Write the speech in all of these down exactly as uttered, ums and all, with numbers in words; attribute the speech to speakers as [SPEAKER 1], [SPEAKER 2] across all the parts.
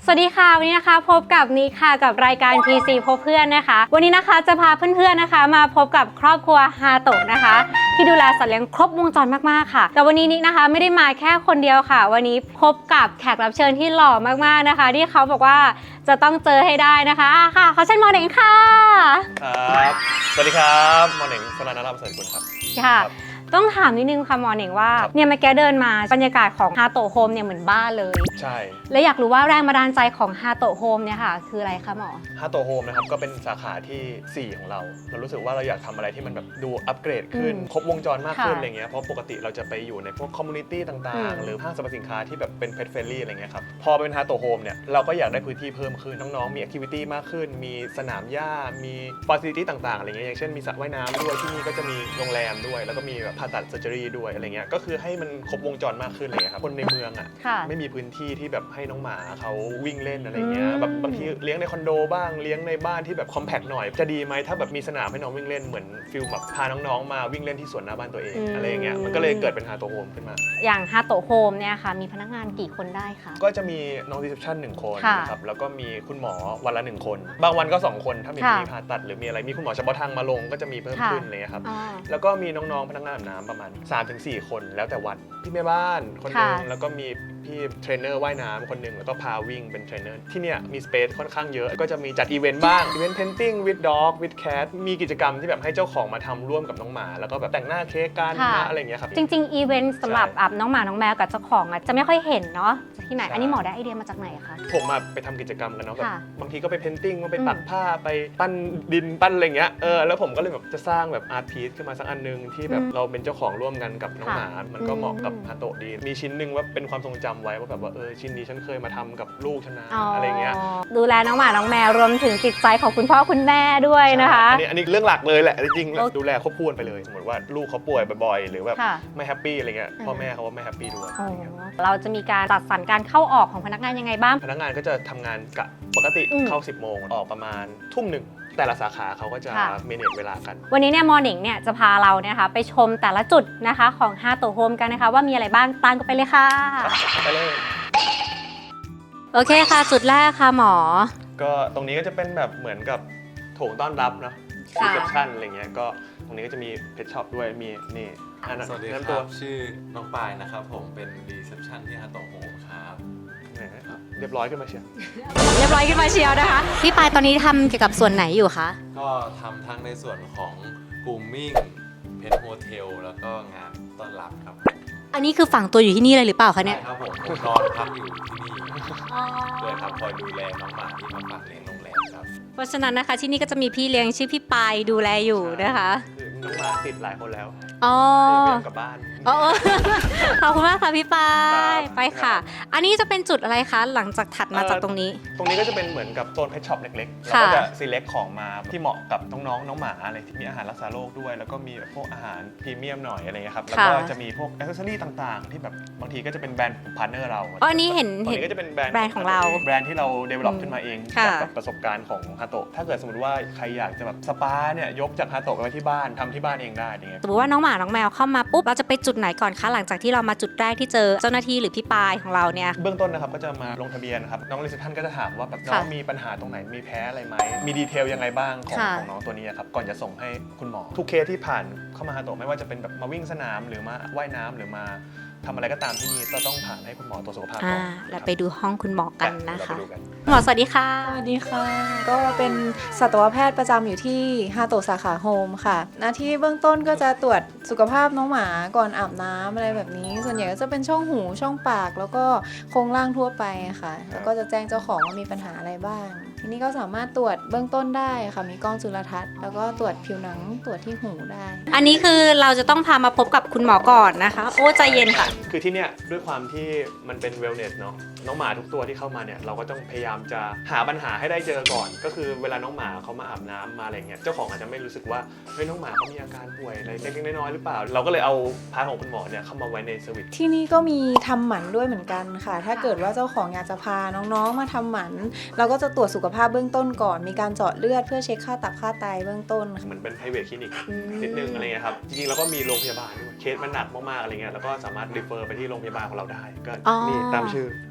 [SPEAKER 1] สวัสดีค่ะวันนี้นะคะพบกับนิค่ะกับรายการ ที ซี พบเพื่อนนะคะวันนี้นะคะจะพาเพื่อนๆนะคะมาพบกับครอบครัวฮาโตะนะคะที่ดูแลสัตว์เลี้ยงครบวงจรมากๆค่ะแต่วันนี้นินะคะไม่ได้มาแค่คนเดียวค่ะวันนี้พบกับแขกรับเชิญที่หล่อมากๆนะคะที่เขาบอกว่าจะต้องเจอให้ได้นะคะค่ะเขาเชิญหมอเหน่งค่ะ
[SPEAKER 2] ครับสวัสดีครับหมอเหน่งสรานนท์ เสริฐกุลครับ
[SPEAKER 1] ค่ะต้องถามนิดนึงค่ะหมอเหน่งว่าเนี่ยเมื่อกี้เดินมาบรรยากาศของฮาโตะโฮมเนี่ยเหมือนบ้านเลย
[SPEAKER 2] ใช่
[SPEAKER 1] และอยากรู้ว่าแรงบันดาลใจของฮาโตะโฮมเนี่ยค่ะคืออะไรคะหมอ
[SPEAKER 2] ฮาโตะโฮมนะครับก็เป็นสาขาที่สี่ของเราเรารู้สึกว่าเราอยากทำอะไรที่มันแบบดูอัปเกรดขึ้นครบวงจรมากขึ้นอะไรเงี้ยเพราะปกติเราจะไปอยู่ในพวกคอมมูนิตี้ต่างๆหรือห้างสรรพสินค้าที่แบบเป็นเพจเฟรนลี่อะไรเงี้ยครับพอเป็นฮาโตะโฮมเนี่ยเราก็อยากได้พื้นที่เพิ่มขึ้นน้องๆมีแอคทิวิตี้มากขึ้นมีสนามหญ้ามีฟาซิลิตี้ต่างๆอะไรเงี้ยอย่างเช่นมีสระว่ายน้ำด้วยที่นี่ก็จะมีโรงแรมด้วยแล้วก็มีแบบผ่าตัดเซอร์เจอรี่ด้วยอะไรเงี้ยก็คือให้มันครบวงจรมากขึ้นเลยครับคนในเมืองอ่ะไม่มีพื้นที่ที่แบบให้น้องหมาเขาวิ่งเล่นอะไรเงี้ยแบบบางทีเลี้ยงในคอนโดบ้างเลี้ยงในบ้านที่แบบคอมแพคหน่อยจะดีไหมถ้าแบบมีสนามให้น้องวิ่งเล่นเหมือนฟิลแบบพาน้องๆมาวิ่งเล่นที่สวนหน้าบ้านตัวเองอะไรเงี้ยมันก็เลยเกิดเป็นฮาโตะโฮมขึ้นมา
[SPEAKER 1] อย่างฮาโตะโฮมเนี่ยค่ะมีพนักงานกี่คนได้คะ
[SPEAKER 2] ก็จะมีน้องรีเซพชันหนึ่งคนนะครับแล้วก็มีคุณหมอวันละหนึ่งคนบางวันก็สองคนถ้ามีมีผ่าตัดหรือมีอะไรมีคุณหมอเฉพาะทางมาลงก็จะมีเพิ่มขึ้นเลยครับแล้วก็มีน้องๆพนักงานอาบน้ำประมาณ สามถึงสี่ คนแล้วแต่วันพี่แม่บ้านคนนึงแล้วก็มีพี่เทรนเนอร์ว่ายน้ำคนหนึ่งแล้วก็พาวิ่งเป็นเทรนเนอร์ที่เนี่ยมีสเปซค่อนข้างเยอะก็จะมีจัดอีเวนต์บ้างอีเวนต์เพนติ้งวิดด็อกวิดแคทมีกิจกรรมที่แบบให้เจ้าของมาทำร่วมกับน้องหมาแล้วก็แบบแต่งหน้าเค้กกันนะอะไรเงี้ยครับ
[SPEAKER 1] จริงๆอีเวนต์สำหรับอาบน้องหมาน้องแมวกับเจ้าของอ่ะจะไม่ค่อยเห็นเนาะที่ไหนอันนี้หมอได้ไอเดียมาจากไหนคะ
[SPEAKER 2] ผมมาไปทำกิจกรรมกันเนาะแบบบางทีก็ไปเพนติ้งไปปักผ้าไปปั้นดินปั้นอะไรเงี้ยเออแล้วผมก็เลยแบบจะสร้างแบบอาร์ตพีซขึ้นมาสักอันนึงที่แบบเราเป็นเจ้าของร่วมกันกับน้องหมามันก็เหมาะกับฮาโตะดีมีชิ้นนึงว่าเป็นความทรงจำไว้ว่าแบบว่าเออชิ้นนี้ฉันเคยมาทำกับลูกฉันนะอะไรเงี้ย
[SPEAKER 1] ดูแลน้องหมาน้องแมวรวมถึงจิตใจของคุณพ่อคุณแม่ด้วยนะคะ
[SPEAKER 2] อันนี้อันนี้เรื่องหลักเลยแหละจริงๆดูแลควบคู่ไปเลยสมมติว่าลูกเขาป่วยบ่อยๆหรือแบบไม่แฮปปี้อะไรเงี้ยพ่อแม่เขาว่าไม่แฮปปี้ด้วย
[SPEAKER 1] เราจะมีการจัดสรรการเข้าออกของพนักงานยังไงบ้าง
[SPEAKER 2] พนักงานก็จะทำงานกะปกติเข้าสิบโมงออกประมาณทุ่มหนึ่งแต่ละสาขาเขาก็จะเมเนจเวลากัน
[SPEAKER 1] วันนี้เนี่ยมอร์นิ่งเนี่ยจะพาเราเนี่ยค่ะไปชมแต่ละจุดนะคะของฮาโตะโฮมกันนะคะว่ามีอะไรบ้างตามกันไปเลยค่ะ
[SPEAKER 2] ไปเลย
[SPEAKER 1] โอเคค่ะจุดแรกค่ะหมอ
[SPEAKER 2] ก็ตรงนี้ก็จะเป็นแบบเหมือนกับโถงต้อนรับเนาะรีเซพชันอะไรเงี้ยก็ตรงนี้ก็จะมีเพชช็อปด้วยมีนี่
[SPEAKER 3] สวัสดีครับชื่อน้องปายนะครับผมเป็นรีเซพชันที่ฮาโตะโฮมครับ
[SPEAKER 2] เรียบร้อยขึ้นมาเชียว
[SPEAKER 1] เรียบร้อยขึ้นมาเชียวนะคะพี่ปายตอนนี้ทำเกี่ยวกับส่วนไหนอยู่คะ
[SPEAKER 3] ก็ทำทั้งในส่วนของกรูมมิ่งเพทโฮเทลแล้วก็งานต้อนรับครับ
[SPEAKER 1] อันนี้คือฝังตัวอยู่ที่นี่เลยหรือเปล่าคะเนี่ย
[SPEAKER 3] ใช่ครับผมผมนอนพักอยู่ที่นี่ด้วยครับคอยดูแลน้องหมาที่มาฝากเลี้ยงโรงแรมครับ
[SPEAKER 1] เพราะฉะนั้นนะคะที่นี่ก็จะมีพี่เลี้ยงชื่อพี่ปายดูแลอยู่นะคะ
[SPEAKER 2] น้องหมาติดหลายคนแล้ว
[SPEAKER 1] อ๋อ
[SPEAKER 2] กลับบ้าน
[SPEAKER 1] อ๋อขอบคุณมากค่ะพี่ปายไปค่ะอันนี้จะเป็นจุดอะไรคะหลังจากถัดมาจากตรงนี้
[SPEAKER 2] ตรงนี้ก็จะเป็นเหมือนกับโซนเพชช็อปเล็กๆเราก็จะ select ของมาที่เหมาะกับน้องๆน้องหมาอะไรที่มีอาหารรักษาโรคด้วยแล้วก็มีแบบพวกอาหารพรีเมียมหน่อยอะไรเงี้ยครับแล้วก็จะมีพวกแอคเซสซอรี่ต่างๆที่แบบบางทีก็จะเป็นแบรนด์พาร์ทเนอร์เรา
[SPEAKER 1] อ๋ออันนี้เห็น
[SPEAKER 2] เห็นก็จะเป็นแบรนด์
[SPEAKER 1] แบรนด์ของเรา
[SPEAKER 2] แบรนด์ที่เรา develop ขึ้นมาเองจากประสบการณ์ของฮาโตะถ้าเกิดสมมติว่าใครอยากจะแบบสปาเนี่ยยกจากฮาโตะไปไว้ที่บ้านทำที่บ้านเองได้อย่างเงี้ย
[SPEAKER 1] สมมติว่าน้องหมาน้องแมวเข้ามาปุ๊บเราจะไปจุดไหนก่อนคะหลังจากที่เรามาจุดแรกที่เจอเจ้าหน้าที่หรือพี่ปายของเราเนี่ย
[SPEAKER 2] เบื้องต้นนะครับก็จะมาลงทะเบียนครับน้องรีเซพชันก็จะถามว่าแบบน้องมีปัญหาตรงไหนมีแพ้อะไรไหมมีดีเทลยังไงบ้างของของน้องตัวนี้ครับก่อนจะส่งให้คุณหมอทุกเคสที่ผ่านเข้ามาฮาโตะไม่ว่าจะเป็นแบบมาวิ่งสนามหรือมาว่ายน้ำหรือมาทำอะไรก็ตามที่นี่เราต้องผ่านให้คุณหมอตรวจสุขภาพก่อน
[SPEAKER 1] เราไปดูห้องคุณหมอกันนะคะหมอสวัสดีค่ะ
[SPEAKER 4] สวัสดีค่ะก็เป็นสัตวแพทย์ประจำอยู่ที่ฮาโตะสาขาโฮมค่ะหน้าที่เบื้องต้นก็จะตรวจสุขภาพน้องหมาก่อนอาบน้ำอะไรแบบนี้ส่วนใหญ่ก็จะเป็นช่องหูช่องปากแล้วก็โครงร่างทั่วไปค่ะแล้วก็จะแจ้งเจ้าของว่ามีปัญหาอะไรบ้างทีนี้ก็สามารถตรวจเบื้องต้นได้ค่ะมีกล้องจุลทรรศน์แล้วก็ตรวจผิวหนังตรวจที่หูได้
[SPEAKER 1] อันนี้คือเราจะต้องพามาพบกับคุณหมอก่อนนะคะโอ้ใจเย็นค่ะ
[SPEAKER 2] คือที่เนี่ยด้วยความที่มันเป็นเวลเนสเนาะน้องหมาทุกตัวที่เข้ามาเนี่ยเราก็ต้องพยายามจะหาปัญหาให้ได้เจอก่อนก็คือเวลาน้องหมาเขามาอาบน้ำมาอะไรเงี้ยเจ้าของอาจจะไม่รู้สึกว่าเฮ้ยน้องหมาเขามีอาการป่วยอะไรเล็กๆน้อยๆหรือเปล่าเราก็เลยเอาพาร์ทของคุณหมอเนี่ยเข้ามาไว้ในเซอร์วิส
[SPEAKER 4] ที่นี่ก็มีทำหมันด้วยเหมือนกันค่ะถ้าเกิดว่าเจ้าของอยากจะพาน้องๆมาทำหมันเราก็จะตรวจสุขภาพเบื้องต้นก่อนมีการเจาะเลือดเพื่อเช็คค่าตับค่าไตเบื้องต้น
[SPEAKER 2] เหมือนเป็น private clinic นิดนึงอะไรเงี้ยครับจริงๆแล้วก็มีโรงพยาบาลด้วยเคสมันหนักมากๆอะไรเงี้ยแล้วก็สามารถรีเฟอร์ไปที่โรงพยาบาลของเราได้ก็นี่ตามชื่อ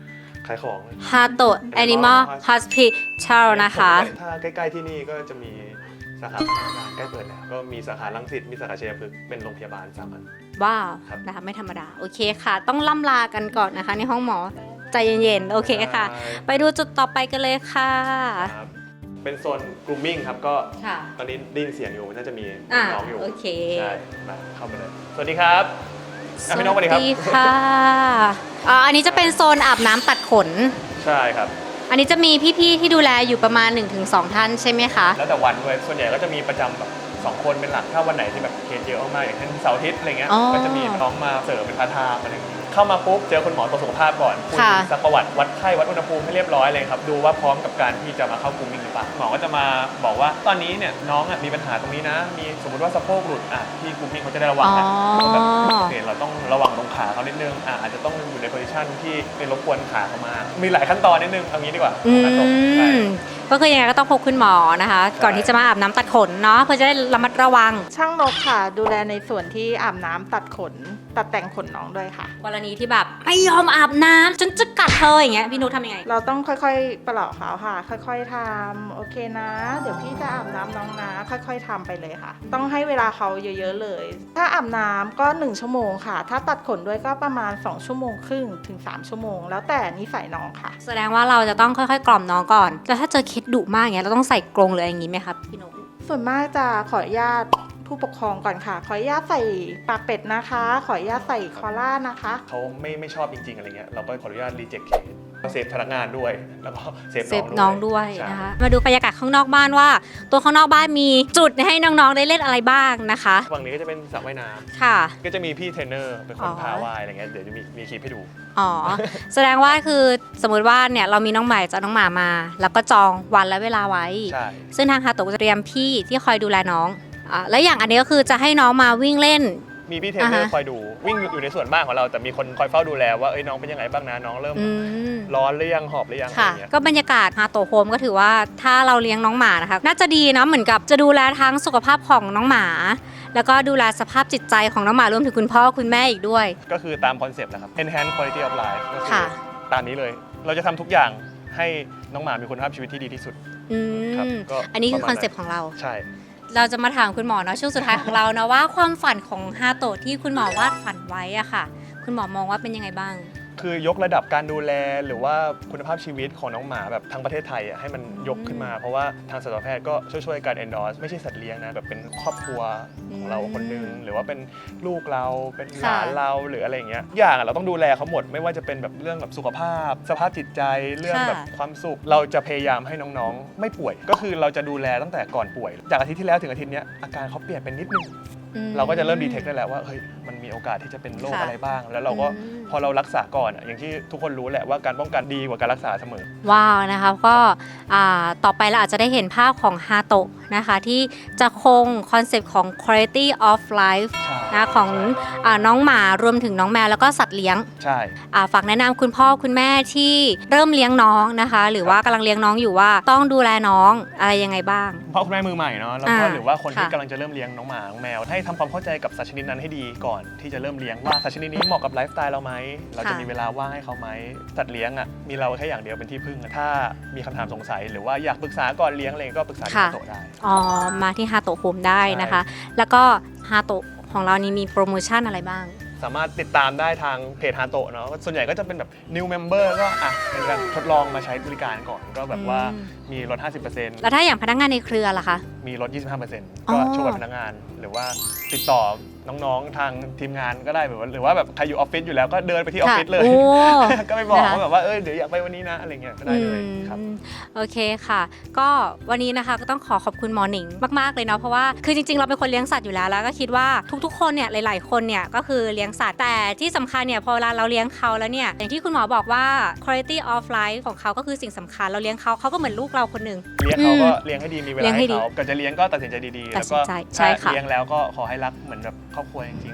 [SPEAKER 2] ขายของ
[SPEAKER 1] ฮาโตะ Animal Hospital นะคะ
[SPEAKER 2] ถ้าใกล้ๆที่นี่ก็จะมีสาขาใกล้เปิดแล้วก็มีสาขารังสิตมีสาขาชัยพฤกษ์เป็นโรงพยาบาลสามอัน
[SPEAKER 1] ว้าว
[SPEAKER 2] ครับ
[SPEAKER 1] นะคะไม่ธรรมดา โอเคค่ะ ต้องล่ำลากันก่อนนะคะ ในห้องหมอใจเย็นๆ โอเคค่ะ ไปดูจุดต่อไปกันเลยค่ะ
[SPEAKER 2] ครับเป็นโซน grooming ครับก็
[SPEAKER 1] ค่ะ
[SPEAKER 2] ตอนนี้ได้ยินเสียงอยู่น่าจะมี
[SPEAKER 1] อ่า
[SPEAKER 2] น้องอยู่
[SPEAKER 1] โอเค
[SPEAKER 2] ใช่มาเข้าไปเลยสวัสดีครับอ่ะพี่น้องสวัสดีครับ
[SPEAKER 1] ค่ะอ่าอันนี้จะเป็นโซนอาบน้ำตัดขน
[SPEAKER 2] ใช่ครับ
[SPEAKER 1] อันนี้จะมีพี่ๆที่ดูแลอยู่ประมาณ หนึ่งถึงสอง ท่านใช่ไหมคะ
[SPEAKER 2] แล้วแต่วันด้วยส่วนใหญ่ก็จะมีประจำแบบสองคนเป็นหลักถ้าวันไหนที่แบบเคสเยอะมากๆอย่างเช่นเสาร์อาทิตย์อะไรเงี้ย
[SPEAKER 1] อ๋อ
[SPEAKER 2] ก็จะมีน้องมาเสริมเป็นพาร์ทไทม์อะไรอย่างเงี้ยเข้ามาปุ๊บเจอคุณหมอตรวจสุขภาพก่อนคุย
[SPEAKER 1] ค่ะ
[SPEAKER 2] สักประวัติวัดไข้วัดอุณหภูมิให้เรียบร้อยเลยครับดูว่าพร้อมกับการที่จะมาเข้ากลุ่มมิ่งหรือเปล่าหมอก็จะมาบอกว่าตอนนี้เนี่ยน้องอ่ะมีปัญหาตรงนี้นะ มีสมมติว่าสะโพกหลุดอ่ะที่กลุ่มมิ่งเขาจะได้ระวังนะ
[SPEAKER 1] อ๋อ
[SPEAKER 2] แบบโอเคเราต้องระวังตรงขาเขานิดนึงอ่ะอาจจะต้องอยู่ในโพซิชันที่เป็นรบกวนขาเขามามีหลายขั้นตอนนิดนึงเอางี้ดีกว่า
[SPEAKER 1] อื
[SPEAKER 2] ขั้นตอนใช่
[SPEAKER 1] มก็คือยังไงก็ต้องพบคุณหมอนะคะ
[SPEAKER 2] ใช่
[SPEAKER 1] ก่อนที่จะมาอาบน้ำตัดขนเนาะเพื่อจะได้ระมัดระวัง
[SPEAKER 5] ช่างนกค่ะ ดูแลในส่วนที่อาบน้ำตัดขน ตัดแต่งขนน้องด้วยค่ะ
[SPEAKER 1] กรณีที่แบบไม่ยอมอาบน้ำฉันจะกัดเธออย่างเงี้ยพี่นุชทำยังไง
[SPEAKER 5] เราต้องค่อยๆปลอบเขาค่ะ ค่อยๆทำโอเคนะ เดี๋ยวพี่จะอาบน้ำน้องนะ ค่อยๆทำไปเลยค่ะ ต้องให้เวลาเขาเยอะๆเลย ถ้าอาบน้ำก็หนึ่งชั่วโมงค่ะ ถ้าตัดขนด้วยก็ประมาณสองชั่วโมงครึ่งถึงสามชั่วโมง แล้วแต่นิสัยน้องค่ะ
[SPEAKER 1] แสดงว่าเราจะต้องค่อยๆ กล่อมน้องก่อนแล้วถ้าเจอเคสดุมากอย่างเงี้ยเราต้องใส่กรงหรืออะไรอย่างงี้ไหมครับพี่นุช
[SPEAKER 5] ส่วนมากจะขออนุญาตผู้ปกครองก่อนค่ะ ขออนุญาตใส่ปากเป็ดนะคะ ขออนุญาตใส่คอล่านะคะ
[SPEAKER 2] เขาไม่ไม่ชอบจริงๆอะไรเงี้ยเราก็ขออนุญาตรีเจ็คเคสเซฟพนักงานด้วยแล้วก็เซฟ
[SPEAKER 1] เซฟน้องด้วย
[SPEAKER 2] ใช่
[SPEAKER 1] นะคะมาดูบรรยากาศข้างนอกบ้านว่า ตัวข้างนอกบ้านมีจุดให้น้องๆได้เล่นอะไรบ้างนะคะ
[SPEAKER 2] ฝั่งนี้ก็จะเป็นสระว่ายน้
[SPEAKER 1] ค่ะ
[SPEAKER 2] ำก็จะมีพี่เทรนเนอร์เป็นคน
[SPEAKER 1] อ๋อ
[SPEAKER 2] พาว่ายอะไรเงี้ยเดี๋ยวจะมีมีคลิปให้ดู
[SPEAKER 1] อ๋อ แสดงว่าคือสมมติว่าเนี่ยเรามีน้องใหม่จะเอาน้องหมามา แล้วก็จองวันและเวลาไว้
[SPEAKER 2] ใช่
[SPEAKER 1] ซึ่งทางฮาโตะจะเตรียมพี่ที่คอยดูแลน้องอ่าและอย่างอันนี้ก็คือจะให้น้องมาวิ่งเล่น
[SPEAKER 2] มีพี่เทรนเนอร์
[SPEAKER 1] อ่าฮะ
[SPEAKER 2] คอยดูวิ่งอยู่ในส่วนบ้านของเราแต่มีคนคอยเฝ้าดูแลว่าเอ้ยน้องเป็นยังไงบ้างนะน้องเริ่ม
[SPEAKER 1] อืม
[SPEAKER 2] ร้อนหรือยังหอบหรือยังอะไร
[SPEAKER 1] ค่ะ
[SPEAKER 2] เงี้ย
[SPEAKER 1] ก็บรรยากาศฮาโตะโฮมก็ถือว่าถ้าเราเลี้ยงน้องหมานะคะน่าจะดีเนาะเหมือนกับจะดูแลทั้งสุขภาพของน้องหมา แล้วก็ดูแลสภาพจิตใจของน้องหมารวมถึงคุณพ่อคุณแม่อีกด้วย
[SPEAKER 2] ก็คือตามคอนเซปต์นะครับ enhance quality of life ก็คื
[SPEAKER 1] ค่ะ
[SPEAKER 2] ตามนี้เลย เราจะทำทุกอย่างให้น้องหมามีคุณภาพชีวิตที่ดีที่สุด
[SPEAKER 1] อื
[SPEAKER 2] ครับ
[SPEAKER 1] ม
[SPEAKER 2] ก็
[SPEAKER 1] อันนี้คือ
[SPEAKER 2] ประ
[SPEAKER 1] ค
[SPEAKER 2] มาณ
[SPEAKER 1] อนเซปต์ของเรา
[SPEAKER 2] ใช่
[SPEAKER 1] เราจะมาถามคุณหมอเนาะช่วงสุดท้ายของเรานะว่าความฝันของฮาโตะที่คุณหมอวาดฝันไว้อะค่ะ คุณหมอมองว่าเป็นยังไงบ้าง
[SPEAKER 2] คือยกระดับการดูแลหรือว่าคุณภาพชีวิตของน้องหมาแบบทั้งประเทศไทยอ่ะให้มันยกขึ้นมา เพราะว่าทางสัตวแพทย์ก็ช่วยๆกัน endorse ไม่ใช่สัตว์เลี้ยงนะแบบเป็นครอบครัวของเราคนหนึงหรือว่าเป็นลูกเราเป็นหลานเราหรืออะไรอย่างเงี้ยอย่างอะเราต้องดูแลเขาหมดไม่ว่าจะเป็นแบบเรื่องแบบสุขภาพ สภาพจิตใจเรื่องแบบความสุขเราจะพยายามให้น้องๆ ไม่ป่วย ก็คือเราจะดูแลตั้งแต่ก่อนป่วย จากอาทิตย์ที่แล้วถึงอาทิตย์เนี้ยอาการเขาเปลี่ยนเป็นนิดนึง
[SPEAKER 1] อืม
[SPEAKER 2] เราก็จะเริ่มดีเทคได้แล้วว่าเฮ้ยมันมีโอกาสที่จะเป็นโรค
[SPEAKER 1] ค่ะ
[SPEAKER 2] อะไรบ้าง แล้วเราก็
[SPEAKER 1] อืม
[SPEAKER 2] พอเรารักษาก่อนอะอย่างที่ทุกคนรู้แหละว่าการป้องกันดีกว่าการรักษาเสมอ
[SPEAKER 1] ว้าวนะคะก็อ่าต่อไปเราอาจจะได้เห็นภาพของฮาโตะนะคะที่จะคงคอนเซปต์ของ quality of life
[SPEAKER 2] ใช่
[SPEAKER 1] นะของอาน้องหมารวมถึงน้องแมวแล้วก็สัตว์เลี้ยง
[SPEAKER 2] ใช่
[SPEAKER 1] อ่าฝากแนะนำคุณพ่อคุณแม่ที่เริ่มเลี้ยงน้องนะคะ หรือว่ากำลังเลี้ยงน้องอยู่ว่าต้องดูแลน้องอะไรยังไงบ้าง
[SPEAKER 2] พ่อคุณแม่มือใหม่เนาะแล้วก็
[SPEAKER 1] อ่า
[SPEAKER 2] หรือว่าคนที่
[SPEAKER 1] ค่ะ
[SPEAKER 2] กำลังจะเริ่มเลี้ยงน้องหมาน้องแมว ให้ทำความเข้าใจกับสัตว์ชนิดนั้นให้ดีก่อนที่จะเริ่มเลี้ยงว่าสัตว์ชนิดนี้เหมาะกับไลฟ์สไตล์เราไหมเราจะมีเวลาว่างให้เขาไหมสัตว์เลี้ยงอ่ะมีเราแค่อย่างเดียวเป็นที่พึ่งอะถ้ามีคำถามสงสัยหรือว่าอยากปรึกษาก่อนเลี้ยงอะไรก็ปรึกษาที่
[SPEAKER 1] ค่ะ
[SPEAKER 2] โตะได้
[SPEAKER 1] อ๋อมาที่ฮาโตะโฮมได้นะคะ แล้วก็ฮาโตะของเรานี่มีโปรโมชั่นอะไรบ้าง
[SPEAKER 2] สามารถติดตามได้ทางเพจฮาโตะเนาะส่วนใหญ่ก็จะเป็นแบบ new member ก็อ่ะเป็นการทดลองมาใช้บริการก่อนก็แบบว่า
[SPEAKER 1] อืม
[SPEAKER 2] มีลด ห้าสิบเปอร์เซ็นต์
[SPEAKER 1] แล้วถ้าอย่างพนักงานในเครือล่ะคะ
[SPEAKER 2] มีลด ยี่สิบห้าเปอร์เซ็นต์
[SPEAKER 1] อ๋อ
[SPEAKER 2] ก็ช่วยพนักงาน หรือว่าติดต่อน้องๆ ทางทีมงานก็ได้แบบว่าหรือว่าแบบใครอยู่ออฟฟิศอยู่แล้วก็เดินไปที่ออฟฟิศเลย
[SPEAKER 1] โอ้
[SPEAKER 2] ก็ไปบอก
[SPEAKER 1] นะคะ
[SPEAKER 2] ว่าแบบว่าเออเดี๋ยวอยากไปวันนี้นะอะไรเงี้ยก็ได้เลยครับ
[SPEAKER 1] อืมโอเคค่ะ ก็วันนี้นะคะก็ต้องขอขอบคุณหมอหนิงมากๆเลยเนาะเพราะว่าคือจริงๆเราเป็นคนเลี้ยงสัตว์อยู่แล้วแล้วก็คิดว่าทุกๆคนเนี่ยหลายๆคนเนี่ยก็คือเลี้ยงสัตว์แต่ที่สำคัญเนี่ยพอเวลาเราเลี้ยงเขาแล้วเนี่ยอย่างที่คุณหมอบอกว่า quality of life ของเขาก็คือสิ่งสำคัญเราเลี้ยงเขาเขาก็เหมือนลูกเราคนหนึ่ง
[SPEAKER 2] เลี้ยงเขาก็เลี้ยงให้ดีมีเว
[SPEAKER 1] เลี้
[SPEAKER 2] ลาย
[SPEAKER 1] งให้
[SPEAKER 2] ให้
[SPEAKER 1] ดี
[SPEAKER 2] เขาก่อนจะเลี้ยงก็ตัดสินใจดีๆ
[SPEAKER 1] ตั
[SPEAKER 2] แล้
[SPEAKER 1] ด
[SPEAKER 2] ว
[SPEAKER 1] สิ
[SPEAKER 2] ก็
[SPEAKER 1] นใจใช่
[SPEAKER 2] ถ้า
[SPEAKER 1] ค่ะ
[SPEAKER 2] เลี้ยงแล้วก็ขอให้รักเหมือนแบบครอบครัวจริงๆเหมือนแบบ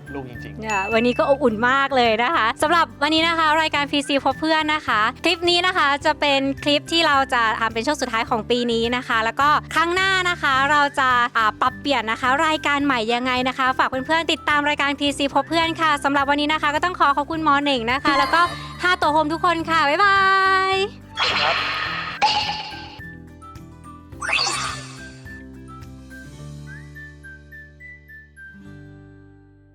[SPEAKER 2] ลูกจริง
[SPEAKER 1] เนี่ยวันนี้ก็อบอุ่นมากเลยนะคะสำหรับวันนี้นะคะรายการ พี ซี พบเพื่อนนะคะ คลิปนี้นะคะจะเป็นคลิปที่เราจะทำเป็นช่วงสุดท้ายของปีนี้นะคะ แล้วก็ครั้งหน้านะคะเราจะอ่าปรับเปลี่ยนนะคะรายการใหม่ยังไงนะคะ ฝากเพื่อนๆติดตามรายการ พี ซี พบเพื่อนค่ะสำหรับวันนี้นะคะก็ต้องขอขอบคุณหมอเหน่งนะคะ แล้วก็ห้าตัวโฮมทุกคนค่ะบ๊ายบาย
[SPEAKER 2] ๆครับ